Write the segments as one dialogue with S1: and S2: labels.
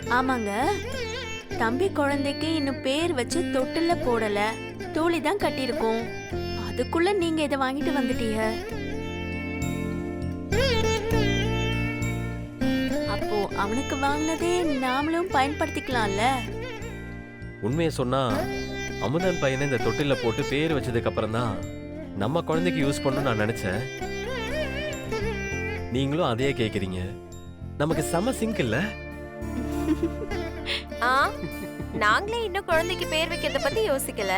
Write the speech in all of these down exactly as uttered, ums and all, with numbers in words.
S1: ஆமாங்க, தம்பி குழந்தைக்கு இன்னும் பேர் வச்சு தொட்டில்ல போடல, தூளி தான் கட்டியிருக்கோம். அதுக்குள்ள நீங்க இதை வாங்கிட்டு வந்துட்டீங்க. அப்போ அவனுக்கு வாங்கினதே நாமளும் பயன்படுத்திக்கலாம்ல.
S2: உண்மையை சொன்னா அமுதன் பையனை இந்த தொட்டில போட்டு பேர் வச்சதுக்கு அப்புறம் தான் நம்ம குழந்தைக்கு யூஸ் பண்ணணும்னு நான் நினைச்சேன். நீங்களும் அதையே கேக்குறீங்க. நமக்கு செம சிங்க் இல்ல?
S3: ஆ, நாங்களே இன்னும் குழந்தைக்கு பேர் வைக்கிறத பத்தி யோசிக்கல.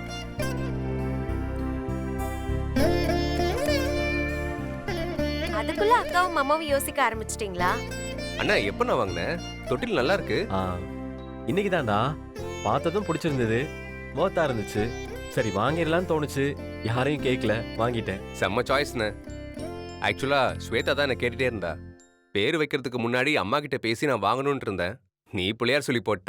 S3: அதுக்குள்ள அக்காவும் மாமாவும் யோசிக்க ஆரம்பிச்சிட்டீங்களா?
S4: அண்ணா எப்ப நான் வாங்கினேன்? தொட்டில் நல்லா இருக்கு.
S2: ஆ, இன்னைக்கு தான்டா பார்த்ததும் பிடிச்சிருந்தது, மோத்தா இருந்துச்சு. சரி வாங்கிடலான்னு தோணுச்சு, யாரையும் கேட்கல, வாங்கிட்டேன்.
S4: செம்ம சாய்ஸ்ண்ணே. ஆக்சுவலா ஸ்வேதா தான் என்ன கேட்டுட்டே இருந்தா. பேர் வைக்கிறதுக்கு முன்னாடி அம்மா கிட்ட பேசி நான் வாங்கணும்னு இருந்தேன். நீ பிள்ளையார் சொல்லி போட்ட.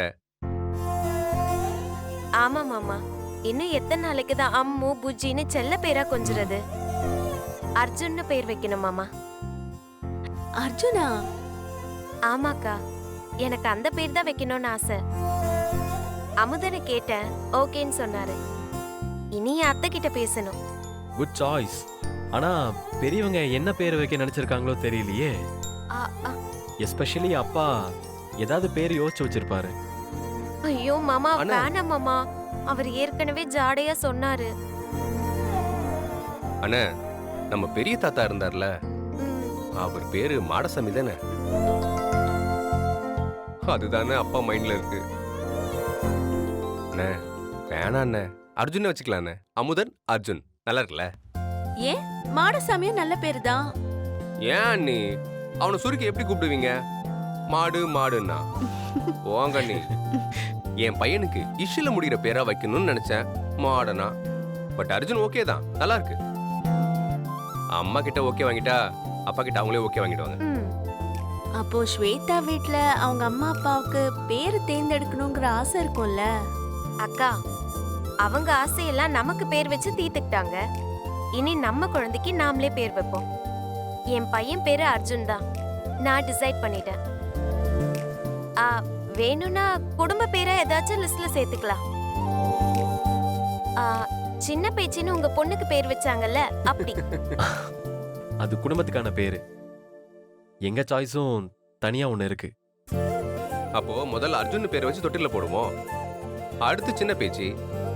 S3: ஆமா மாமா, இன்னும் எத்தனை நாளைக்கு தான் அம்மு புஜ்ஜின்னு செல்ல பேரா கொஞ்சுறது? அர்ஜுன்னு பேர் வைக்கணும் மாமா.
S1: அர்ஜுனா?
S3: ஆமாக்கா, எனக்கு அந்த பேர் தான் வைக்கணும்னு ஆசை. அமுதனை கேட்டேன், ஓகேன்னு சொன்னாரு. இனி என் அத்தை கிட்ட பேசணும்.
S2: Good choice. ஆனா பெரியவங்க என்ன பேர் வைக்க நினைச்சிருக்காங்களோ தெரியலையே.
S3: ஆ, ஆ.
S2: எஸ்பெஷலி அப்பா ஏதாவது பேர் யோசிச்சு வச்சிருப்பாரு.
S3: ஐயோ மாமா,
S4: அண்ணா.
S3: வேணாம் மாமா, அவர் ஏற்கனவே ஜாடையா சொன்னாரு.
S4: அண்ணா, நம்ம பெரிய தாத்தா இருந்தார்ல,
S3: ம்,
S4: அவர் பேரு மாடசாமி தானே? அதுதானே அப்பா மைண்ட்ல இருக்கு. அண்ணே வேணா அண்ணே, அர்ஜுன் வச்சுக்கலாம் அண்ணே. அமுதன் அர்ஜுன் நல்லா இருக்குல்ல?
S1: ஏன், மாடசாமியும் நல்ல பேரு தான்.
S4: ஏன் அண்ணி அவனை சுருக்கி எப்படி கூப்பிடுவீங்க? மாடு மாடுன்னா போங்க அண்ணி. என் பையனுக்கு இஷ்ல முடிகிற பேரா வைக்கணும்னு நினைச்சேன், மாடனா. பட் அர்ஜுன் ஓகே தான், நல்லா இருக்கு. அம்மா கிட்ட ஓகே வாங்கிட்டா அப்பா கிட்ட அவங்களே ஓகே வாங்கிடுவாங்க.
S3: ம்.
S1: அப்போ ஸ்வேதா வீட்ல அவங்க அம்மா அப்பாவுக்கு பேரு தேர்ந்தெடுக்கணுங்கிற ஆசை இருக்கும்ல.
S3: அக்கா, அவங்க ஆசையெல்லாம் நமக்கு பேர் வச்சு தீர்த்துக்கிட்டாங்க. இனி நம்ம குழந்தைக்கு நாமளே பேர் வைப்போம். என் பையன் பேரு அர்ஜுன் தான், நான் டிசைட் பண்ணிட்டேன். ஆ, வேணும்னா குடும்ப பேரை ஏதாச்சும் லிஸ்ட்ல சேர்த்துக்கலாம். ஆ, சின்ன பேச்சின்னு உங்க பொண்ணுக்கு பேர் வச்சாங்கல்ல, அப்படி.
S2: அது குடும்பத்துக்கான பேரு. எங்க சாய்ஸும் தனியா ஒண்ணு இருக்கு.
S4: அப்போ முதல்ல அர்ஜுன் பேரை வச்சு தொட்டில போடுவோம். அடுத்து சின்ன பேச்சு,